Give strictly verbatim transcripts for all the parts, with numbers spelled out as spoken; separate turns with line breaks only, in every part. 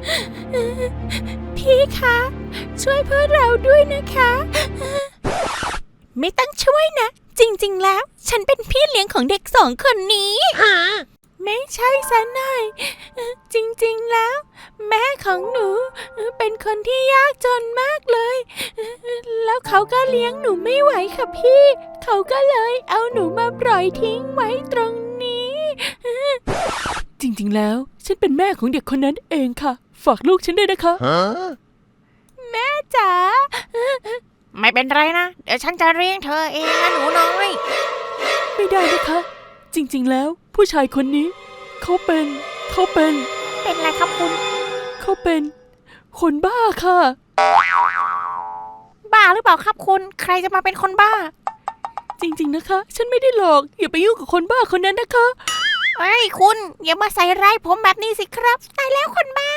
พี่คะช่วยพวกเราด้วยนะคะไม่ต้องช่วยนะจริงๆแล้วฉันเป็นพี่เลี้ยงของเด็กสองคนนี้ไม่ใช่ซะหน่อยจริงๆแล้วแม่ของหนูเป็นคนที่ยากจนมากเลยแล้วเขาก็เลี้ยงหนูไม่ไหวค่ะพี่เขาก็เลยเอาหนูมาปล่อยทิ้งไว้ตรงนี้
จริงๆแล้วฉันเป็นแม่ของเด็กคนนั้นเองค่ะฝากลูกฉันด้วยนะคะ
แม่จ๋า
ไม่เป็นไรนะเดี๋ยวฉันจะเลี้ยงเธอเองนะหนูน้อย
ไม่ได้นะคะจริงๆแล้วผู้ชายคนนี้เขาเป็นเขาเป็น
เป็นอะไรครับคุณ
เขาเป็นคนบ้าค่ะ
บ้าหรือเปล่าครับคุณใครจะมาเป็นคนบ้า
จริงๆนะคะฉันไม่ได้หลอกอย่าไปยุ่งกับคนบ้าคนนั้นนะคะ
เฮ้ยคุณอย่ามาใส่ร้ายผมแบบนี้สิครับตายแล้วคนบ้า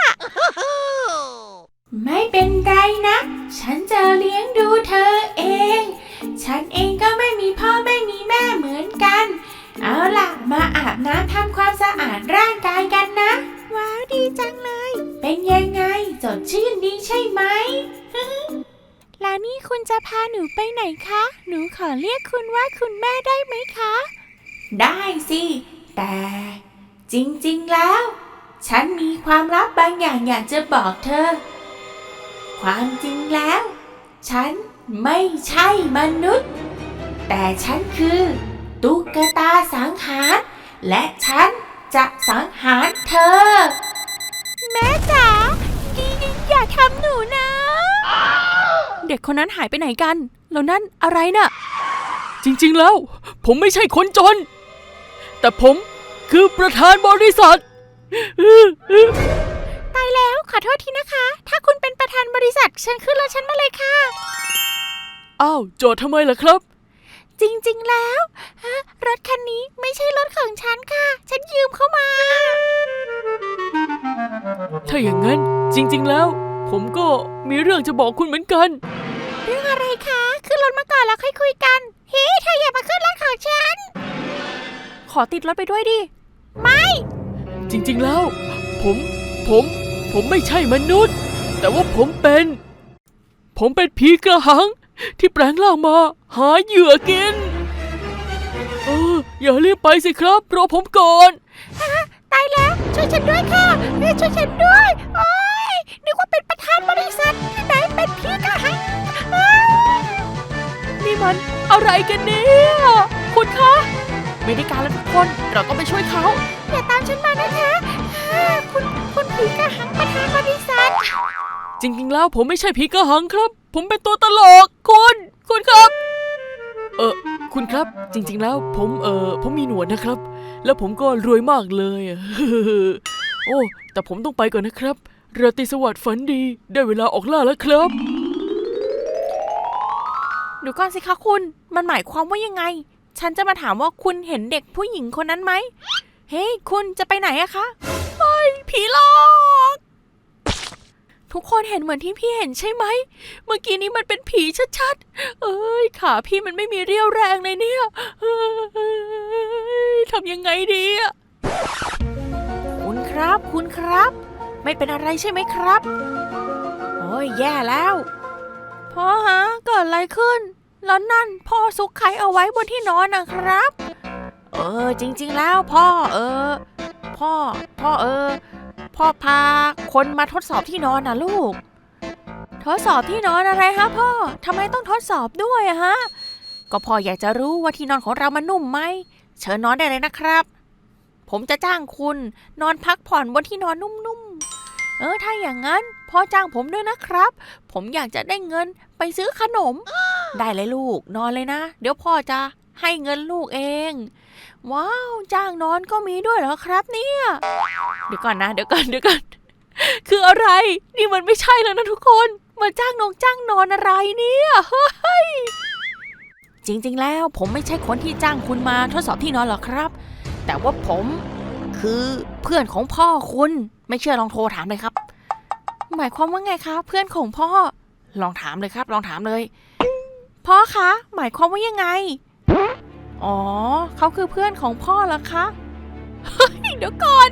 ไม่เป็นไรนะฉันจะเลี้ยงดูเธอเองฉันเองก็ไม่มีพ่อไม่มีแม่เหมือนกันเอาล่ะมาอาบน้ำทำความสะอาดร่างกายกันนะ
ว้าวดีจังเลย
เป็นยังไงสดชื่นดีใช่ไหม
แล้วนี่คุณจะพาหนูไปไหนคะหนูขอเรียกคุณว่าคุณแม่ได้ไหมคะ
ได้สิแต่จริงๆแล้วฉันมีความลับบางอย่างอยากจะบอกเธอความจริงแล้วฉันไม่ใช่มนุษย์แต่ฉันคือตุ๊กตาสังหารและฉันจะสังหารเธอ
แม่จ๋าอย่าทำหนูนะ
เด็กคนนั้นหายไปไหนกันแล้วนั่นอะไรน่ะจริงๆแล้วผมไม่ใช่คนจนแต่ผมคือประธานบริษัท
ตายแล้วขอโทษทีนะคะถ้าคุณเป็นประธานบริษัทเชิญขึ้นรถฉันมาเลยค่ะ
อ้าวจอดทำไมล่ะครับ
จริงๆแล้วรถคันนี้ไม่ใช่รถของฉันค่ะฉันยืมเข้ามา
ถ้าอย่างนั้นจริงๆแล้วผมก็มีเรื่องจะบอกคุณเหมือนกัน
เรื่องอะไรคะขึ้นรถมาก่อนแล้วค่อยคุยกันเฮ้เธออย่ามาขึ้นรถของฉัน
ขอติดรถไปด้วยดิ
ไม่
จริงๆแล้วผมผมผมไม่ใช่มนุษย์แต่ว่าผมเป็นผมเป็นผีกระหังที่แปลงร่างมาหาเหยื่อกินเอออย่ารีบไปสิครับรอผมก่อน
ตายแล้วช่วยฉันด้วยค่ะช่วยฉันด้วยโอ๊ยนึกว่าเป็นประธานบริษัทที่ไหนเป็นผีกระหัง
นี่มันอะไรกันเนี่ยคุณคะไม่ได้การแล้วทุกคนเราต้องไปช่วยเขา
อย่าตามฉันมานะคะคุณคุณผีกระหังประธานบริษัท
จริงๆแล้วผมไม่ใช่ผีกระหังครับผมเป็นตัวตลกคุณคุณครับเออคุณครับจริงๆแล้วผมเออผมมีหนวดนะครับแล้วผมก็รวยมากเลยโอ้แต่ผมต้องไปก่อนนะครับราตรีสวัสดิ์ฝันดีได้เวลาออกล่าแล้วครับ
เดี๋ยวก่อนสิคะคุณมันหมายความว่ายังไงฉันจะมาถามว่าคุณเห็นเด็กผู้หญิงคนนั้นไหมเฮ้ยคุณจะไปไหนอะคะเฮ้ยผีหลอกทุกคนเห็นเหมือนที่พี่เห็นใช่ไหมเมื่อกี้นี้มันเป็นผีชัดๆเอ้ยขาพี่มันไม่มีเรี่ยวแรงเลยเนี่ยทำยังไงดีอะคุณครับคุณครับไม่เป็นอะไรใช่ไหมครับโอ้ยแย่แล้วพ่อฮะเกิดอะไรขึ้นแล้วนั่นพ่อซุกไข่เอาไว้บนที่นอนนะครับเออจริงๆแล้วพ่อเออพ่อพ่อเออพ่อพาคนมาทดสอบที่นอนนะลูกทดสอบที่นอนอะไรฮะพ่อทำไมต้องทดสอบด้วยอะฮะก็พ่ออยากจะรู้ว่าที่นอนของเรามันนุ่มไหมเชิญนอนได้เลยนะครับผมจะจ้างคุณนอนพักผ่อนบนที่นอนนุ่มๆเออถ้าอย่างนั้นพ่อจ้างผมด้วยนะครับผมอยากจะได้เงินไปซื้อขนมได้เลยลูกนอนเลยนะเดี๋ยวพ่อจะให้เงินลูกเองว้าวจ้างนอนก็มีด้วยเหรอครับเนี่ยเดี๋ยวก่อนนะเดี๋ยวก่อนเดี๋ยวก่อนคืออะไรนี่มันไม่ใช่แล้วนะทุกคนมาจ้างนงจ้างนอนอะไรเนี่ยเฮ้ยจริงๆแล้วผมไม่ใช่คนที่จ้างคุณมาทดสอบที่นอนหรอกครับแต่ว่าผมคือเพื่อนของพ่อคุณไม่เชื่อลองโทรถามเลยครับหมายความว่าไงคะเพื่อนของพ่อลองถามเลยครับลองถามเลยพ่อคะหมายความว่ายังไงอ๋อเขาคือเพื่อนของพ่อเหรอคะเฮ้ยเดี๋ยวก่อน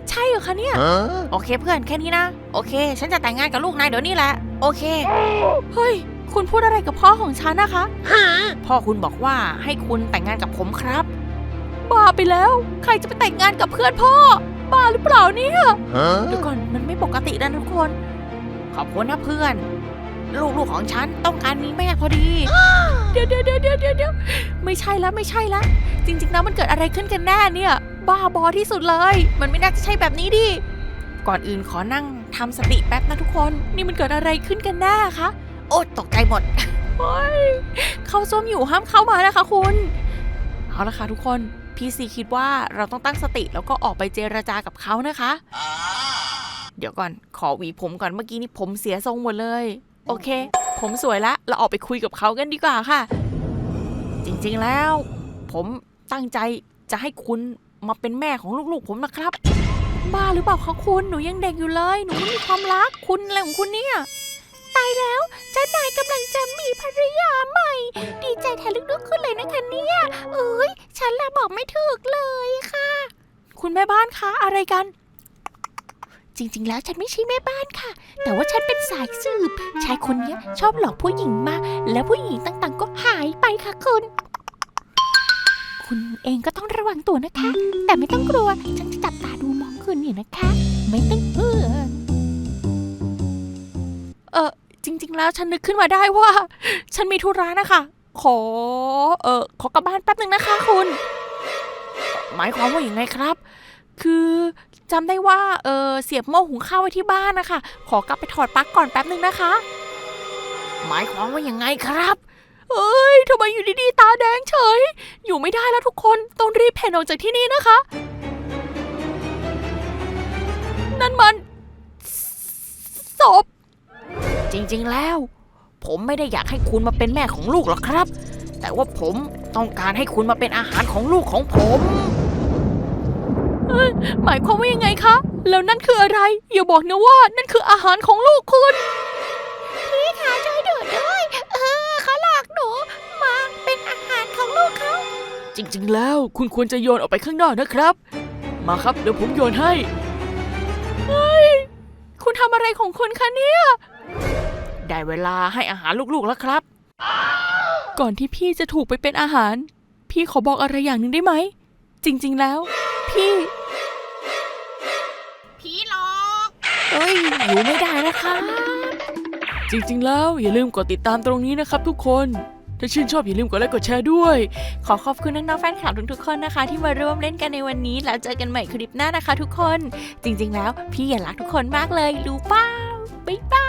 ใช่เหรอคะเนี่ย โอเคเพื่อนแค่นี้นะ โอเค ฉันจะแต่งงานกับลูกนายเดี๋ยวนี้แหละ โอเค เฮ้ย คุณพูดอะไรกับพ่อของฉันนะคะ พ่อคุณบอกว่าให้คุณแต่งงานกับผมครับ บ้าไปแล้ว ใครจะไปแต่งงานกับเพื่อนพ่อ บ้าหรือเปล่าเนี่ยเดี๋ยวก่อนมันไม่ปกตินะทุกคน ขอบคุณนะเพื่อน ลูกๆของฉันต้องการมีแม่พอดี เดี๋ยวเดี๋ยวเดี๋ยวเดี๋ยวเดี๋ยวไม่ใช่แล้วไม่ใช่แล้วจริงๆแล้วมันเกิดอะไรขึ้นกันแน่เนี่ย บ้าบอที่สุดเลย มันไม่น่าจะใช่แบบนี้ดิ ก่อนอื่นขอนั่งทำสติแป๊บนะทุกคน นี่มันเกิดอะไรขึ้นกันแน่คะ โอ๊ยตกใจหมด เฮ้ย เข้าส้วมอยู่ห้ามเข้ามานะคะคุณ เอาละค่ะทุกคน พี่ซีคิดว่าเราต้องตั้งสติแล้วก็ออกไปเจรจากับเขานะคะ เดี๋ยวก่อนขอหวีผมก่อนเมื่อกี้นี่ผมเสียทรงหมดเลย โอเค ผมสวยละเราออกไปคุยกับเขากันดีกว่าค่ะ จริงๆแล้ว ผมตั้งใจจะให้คุณมาเป็นแม่ของลูกๆผมนะครับ บ้าหรือเปล่าคะคุณ หนูยังเด็กอยู่เลย หนูไม่มีความรักคุณอะไรของคุณเนี่ย ตายแล้วเจ้านายกำลังจะมีภรรยาใหม่ ดีใจแทนลึกๆขึ้นเลยนะคะเนี่ยเอ้ยฉันละบอกไม่ถูกเลยค่ะ คุณแม่บ้านคะอะไรกัน จริงๆแล้วฉันไม่ใช่แม่บ้านค่ะ แต่ว่าฉันเป็นสายสืบชายคนนี้ชอบหลอกผู้หญิงมาแล้วผู้หญิงต่างๆก็หายไปค่ะคุณ คุณเองก็ต้องระวังตัวนะคะ แต่ไม่ต้องกลัวฉันจะจับตาดูมองคุณอยู่นะคะ ไม่ต้องเออเออจริงๆแล้วฉันนึกขึ้นมาได้ว่า ฉันมีธุระนะคะ ขอเออขอกลับบ้านแป๊บนึงนะคะคุณ หมายความว่าอย่างไงครับ คือจำได้ว่าเออเสียบหม้อหุงข้าวไว้ที่บ้านนะคะขอกลับไปถอดปลั๊กก่อนแป๊บนึงนะคะ หมายความว่ายังไงครับเอ้ยทำไมอยู่ดีๆตาแดงเฉยอยู่ไม่ได้แล้วทุกคนต้องรีบเพ่นออกจากที่นี่นะคะ นั่นมันศพจริงๆแล้วผมไม่ได้อยากให้คุณมาเป็นแม่ของลูกหรอกครับแต่ว่าผมต้องการให้คุณมาเป็นอาหารของลูกของผมหมายความว่ายังไงคะแล้วนั่นคืออะไรอย่าบอกนะว่านั่นคืออาหารของลูกคุณพี่คะช่วยดูด้วยเออเขาหลอกหนูมาเป็นอาหารของลูกเขาจริงๆแล้วคุณควรจะโยนออกไปข้างนอกนะครับมาครับเดี๋ยวผมโยนให้เฮ้ยคุณทำอะไรของคุณคะเนี่ยได้เวลาให้อาหารลูกๆแล้วครับก่อนที่พี่จะถูกไปเป็นอาหารพี่ขอบอกอะไรอย่างหนึ่งได้ไหมจริงๆแล้วพี่ผีหลอกเอ้ยอยู่ไม่ได้นะคะจริงๆแล้วอย่าลืมกดติดตามตรงนี้นะครับทุกคนถ้าชื่นชอบอย่าลืมกดไลค์กดแชร์ด้วยขอขอบคุณน้องๆแฟนคลับทุกๆคนนะคะที่มาร่วมเล่นกันในวันนี้แล้วเจอกันใหม่คลิปหน้านะคะทุกคนจริงๆแล้วพี่อยากรักทุกคนมากเลยรู้เปล่าบ๊ายบาย